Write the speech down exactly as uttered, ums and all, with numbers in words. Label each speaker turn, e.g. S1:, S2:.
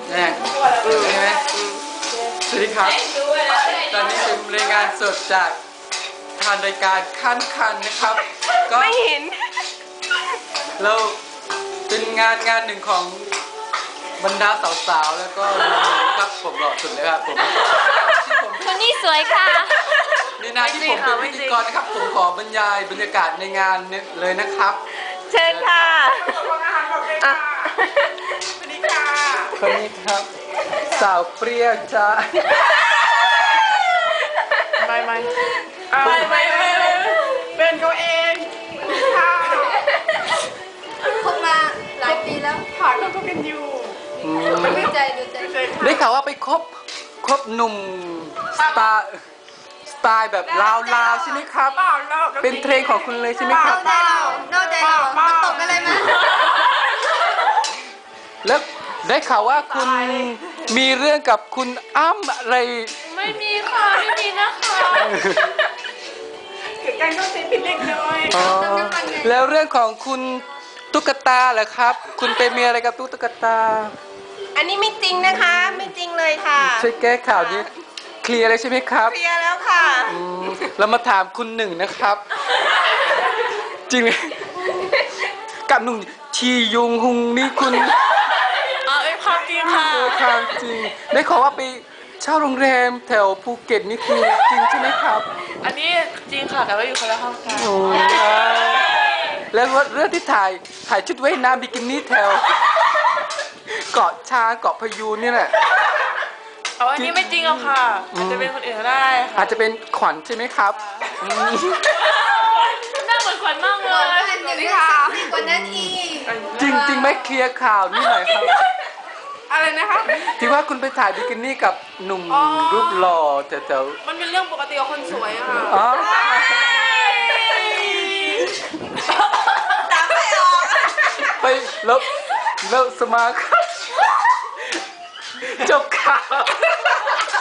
S1: แน่ใช่ไหมสวัสดีครับตอนนี้เป็นรายงานสดจากทางรายการขั้นคันนะครับก็
S2: ไม่เห็น
S1: เราเป็นงานงานหนึ่งของบรรดาสาวๆแล้วก็หนุ่มๆครับผมหล่อสุดเลยครับผม
S2: คนนี้สวยค่ะ
S1: ในหน้าที่ผมเป็นพิธีกรนะครับผมขอบรรยายบรรยากาศในงานเลยนะครับ
S2: เชิญค่ะ
S3: อ่ะสวัสดีค่ะ
S1: คนนี้ครับสาวเปรี้ยวจ้า
S3: ไม่ไม่ไม่ไม่ไม่เป็นเขาเองค่ะ
S4: คบมาหลายปีแล้ว
S3: ผ่านเขาก็กันอยู่
S4: ดูใจดูใจ
S1: ได้ข่าวว่าไปคบคบหนุ่มสไตล์สไตล์แบบลาวลาวใช่ไหมครับเป็นเทรนของคุณเลยใช่ไหมครับ
S4: นอกใจเรานอกใจเรามันตกอะไรมา
S1: แล้วได้ข่าวว่าคุณมีเรื่องกับคุณอ้ำอะไร
S2: ไม่มีค่ะไม่มีนะคะ
S3: เกิดการเข้าใจผิดเล็กน้อย
S1: แล้วเรื่องของคุณตุ๊กตาเหรอครับคุณไปมีอะไรกับตุ๊กตา
S2: อันนี้ไม่จริงนะคะไม่จริงเลยค่ะ
S1: ช่วยแก้ข่าวนี้เคลียร์เลยใช่ไหมครับ
S2: เคลียร์แล้วค่ะ
S1: เรามาถามคุณหนึ่งนะครับจริงไหมกับหนุ่มชียุงหุงนี่คุณ
S2: เอาเป็นความจริงค่ะ
S1: ความจริงได้ขอว่าไปเช่าโรงแรมแถวภูเก็ตนี่คือจริงใช่ไหมครับ
S2: อันนี้จริงค่ะแต่ว่าอยู่คนละห้องกัน
S1: แล้วเรื่องที่ถ่ายถ่ายชุดว่ายน้ำบิกินี่แถวเกาะช้างเกาะพะยูนนี่แหละ
S2: เอาอันนี้ไม่จริงหรอกค่ะอาจจะเป็นคนอื่นก็ได้
S1: อาจจะเป็นขวัญใช่ไหมครับ
S2: หน้าเหมือนขวัญมากเลย
S4: สวัสดีค่ะกว่านั้นอีก
S1: จริงจริงไม่เคลียร์ข่าวนี่หน่อยครับ
S3: อะไรนะคะ
S1: ที่ว่าคุณไปถ่ายบิกินี่กับหนุ่มรูปหล่อแต่แต่
S3: มันเป็นเรื่องปกติของคนสวยอะค่ะ
S4: ตามไม่ออก
S1: ไปแล้วแล้วสมาร์ทจบข่าว